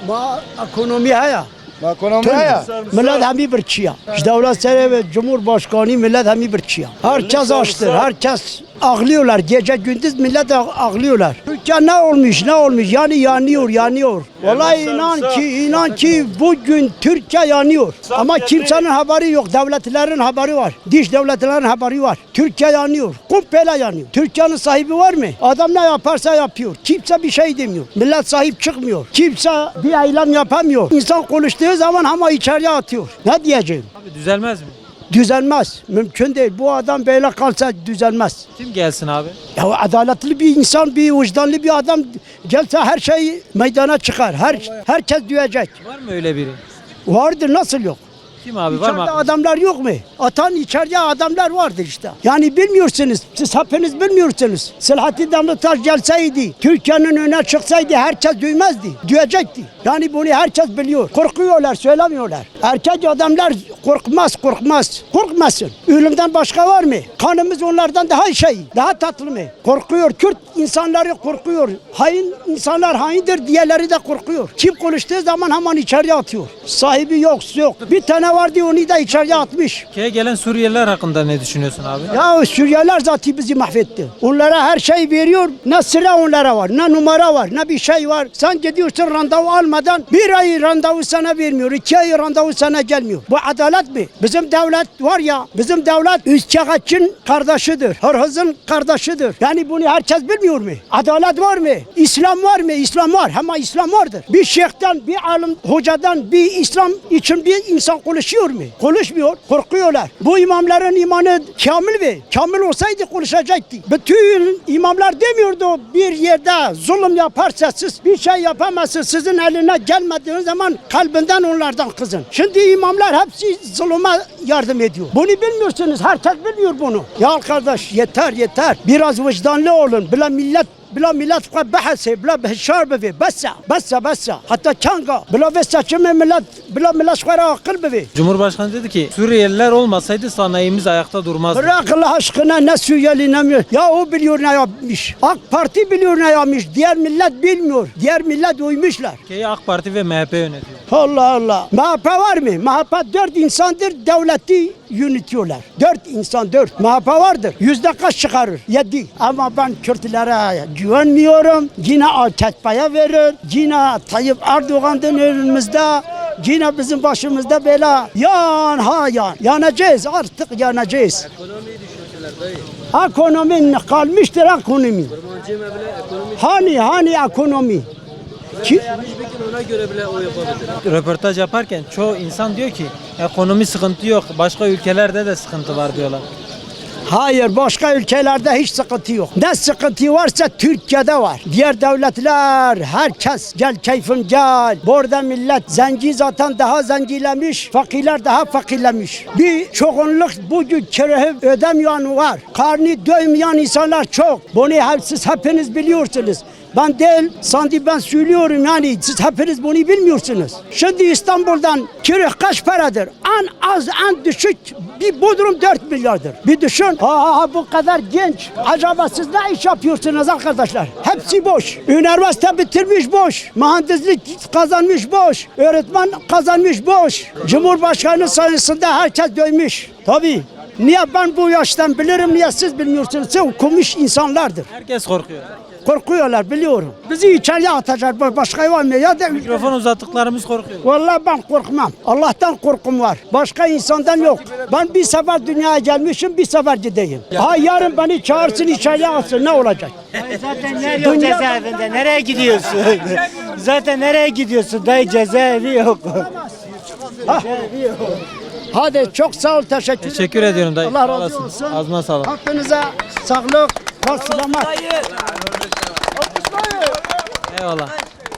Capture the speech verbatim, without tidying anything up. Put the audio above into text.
Ma ekonomi haya. Ekonomi ya. Millet hemi bir çiya. Devlet seri ve Cumhurbaşkanı millet hemi bir çiya. Herkes açtır, herkes ağlıyorlar. Gece gündüz millet ağlıyorlar. Türkiye ne olmuş, ne olmuş? Yani yanıyor, yanıyor. Vallahi inan ki, inan ki bugün Türkiye yanıyor. Ama kimsenin haberi yok. Devletlerin haberi var. Diş devletlerin haberi var. Türkiye yanıyor. Kumpela yanıyor. Türkiye'nin sahibi var mı? Adam ne yaparsa yapıyor. Kimse bir şey demiyor. Millet sahip çıkmıyor. Kimse bir eylem yapamıyor. İnsan konuştuğu zaman ama içeriye atıyor. Ne diyeceğim? Abi düzelmez mi? Düzelmez. Mümkün değil. Bu adam böyle kalsa düzelmez. Kim gelsin abi? Ya adaletli bir insan, bir vicdanlı bir adam gelse her şey meydana çıkar. Her herkes duyacak. Var mı öyle biri? Vardır, nasıl yok? Kim abi, var İçeride mı? adamlar yok mu? Atan içeride adamlar vardır işte. Yani bilmiyorsunuz. Siz hepiniz bilmiyorsunuz. Selahattin Demirtaş gelseydi, Türkiye'nin önüne çıksaydı herkes duymazdı. Duyacaktı. Yani bunu herkes biliyor. Korkuyorlar, söylemiyorlar. Erkek adamlar korkmaz, korkmaz. Korkmasın. Ölümden başka var mı? Kanımız onlardan daha şey, daha tatlı mı? Korkuyor. Kürt insanları korkuyor. Hain insanlar haindir diğerleri de korkuyor. Kim konuştuğu zaman hemen içeriye atıyor. Sahibi yok, yok. Bir tane vardı, onu da içeriye atmış. Ülkeye gelen Suriyeliler hakkında ne düşünüyorsun abi? Ya Suriyeliler zaten bizi mahvetti. Onlara her şey veriyor. Ne sıra onlara var, ne numara var, ne bir şey var. Sen gidiyorsun randevu almadan bir ay randevu sana vermiyor. iki ay randevu sana gelmiyor. Bu adalet mi? Bizim devlet var ya, bizim devlet Üçkağıtçı'nın kardeşidir. Hırhız'ın kardeşidir. Yani bunu herkes bilmiyor mu? Adalet var mı? İslam var mı? İslam var. Ama İslam vardır. Bir şeyhten, bir alim hocadan, bir İslam için bir insan konuşuyor mu? Konuşmuyor. Korkuyorlar. Bu imamların imanı kamil mi? Kamil olsaydı konuşacaktı. Bütün imamlar demiyordu bir yerde zulüm yaparsa siz bir şey yapamazsınız. Sizin eline gelmediğiniz zaman kalbinden onlardan kızın. Şimdi imamlar hepsi zulüme yardım ediyor. Bunu bilmiyorsunuz. Herkes bilmiyor bunu. Ya kardeş yeter yeter. Biraz vicdanlı olun. Bile millet بلا ملت قد بحثه بلا بهشار بفي بس بس بس حتى كانغا بلا بس كم ملت بلا ملت قرا عقل بفي. Cumhurbaşkanı dedi ki Suriyeliler olmasaydı sanayimiz ayakta durmazdı. Bırak Allah aşkına, ne Suriyeli ne mi? Ya o biliyor ne yapmış. AK Parti biliyor ne yapmış. Diğer millet bilmiyor. Diğer millet uymuşlar. Ülkeyi AK Parti ve M H P yönetiyor. Allah Allah. M H P var mı? M H P dört insandır, devleti yönetiyorlar. Dört insan, dört. M H P vardır. Yüzde kaç çıkarır? Yedi. Ama ben Kürtlere güvenmiyorum. Yine A K P'ye verir. Yine Tayyip Erdoğan'ın önümüzde. Yine bizim başımızda bela. Yan ha yan. Yanacağız, artık yanacağız. Ekonomiyi düşünsünler dayı. Ekonomi kalmıştır ekonomi. Hani hani ekonomi. Ki, Peki ona göre bile o yapabilir. Röportaj yaparken çoğu insan diyor ki ekonomi sıkıntı yok. Başka ülkelerde de sıkıntı var diyorlar. hayır, başka ülkelerde hiç sıkıntı yok. Ne sıkıntı varsa Türkiye'de var. Diğer devletler, herkes gel keyfim gel. Burada millet zenci zaten daha zengilemiş, fakirler daha fakirlemiş. Bir çoğunluk bugün kirayı ödemeyen var. Karnı doymayan insanlar çok. Bunu hep, siz hepiniz biliyorsunuz. Ben değil, sanki ben söylüyorum yani siz hepiniz bunu bilmiyorsunuz. Şimdi İstanbul'dan kira kaç paradır? En az, en düşük bir Bodrum dört milyardır. Bir düşün. Ha, ha bu kadar genç. Acaba siz ne iş yapıyorsunuz arkadaşlar? Hepsi boş. Üniversite bitirmiş boş. Mühendislik kazanmış boş. Öğretmen kazanmış boş. Cumhurbaşkanı sayesinde herkes doymuş. Tabii. Niye ben bu yaştan bilirim, niye siz bilmiyorsunuz? Siz okumuş insanlardır. Herkes korkuyor. Korkuyorlar, biliyorum. Bizi içeriye atacak, başka var mı? Ya da Mikrofon uzattıklarımız korkuyor. vallahi ben korkmam. Allah'tan korkum var. Başka insandan yok. Ben bir sefer dünyaya gelmişim, bir sefer gideyim. Ha yarın beni çağırsın, içeriye atsın, ne olacak? Zaten yer yok cezaevinde. Nereye gidiyorsun? Zaten nereye gidiyorsun? Dayı cezaevi yok. Cezaevi yok. Hadi çok sağ ol, teşekkür ederim. Teşekkür ediyorum dayı. Allah Sağ razı olasın. olsun. Ağzına sağlık. Hakkınıza sağlık, selamet. Eyvallah.